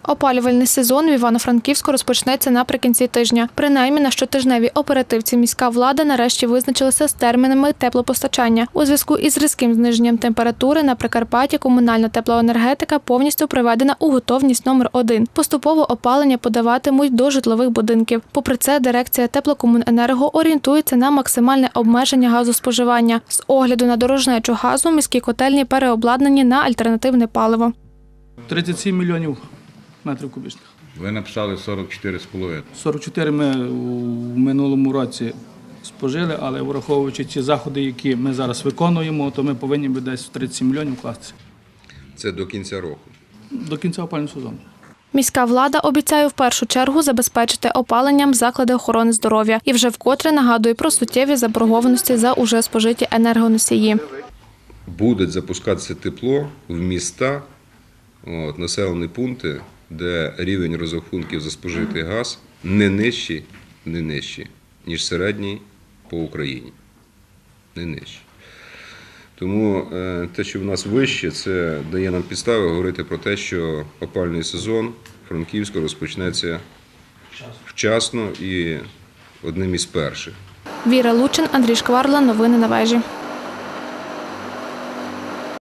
Опалювальний сезон в Івано-Франківську розпочнеться наприкінці тижня. Принаймні на щотижневій оперативці міська влада нарешті визначилася з термінами теплопостачання. У зв'язку із різким зниженням температури на Прикарпатті комунальна теплоенергетика повністю приведена у готовність номер 1. Поступово опалення подаватимуть до житлових будинків. Попри це, дирекція Теплокомуненерго орієнтується на максимальне обмеження газоспоживання. З огляду на дорожнечу газу міські котельні переобладнані на альтернативне паливо. 37 мільйонів метрів кубічних. Ви написали 44,5. 44 ми в минулому році спожили, але враховуючи ті заходи, які ми зараз виконуємо, то ми повинні би десь в 37 мільйонів вкластися. Це до кінця року? До кінця опалювального сезону. Міська влада обіцяє в першу чергу забезпечити опаленням заклади охорони здоров'я і вже вкотре нагадує про суттєві заборгованості за уже спожиті енергоносії. Буде запускатися тепло в міста, населені пункти, де рівень розрахунків за спожитий газ не нижчий, ніж середній по Україні. Не нижчий. Тому те, що в нас вище, це дає нам підстави говорити про те, що опалювальний сезон Франківську розпочнеться вчасно і одним із перших. Віра Лучин, Андрій Шкварла. Новини на вежі.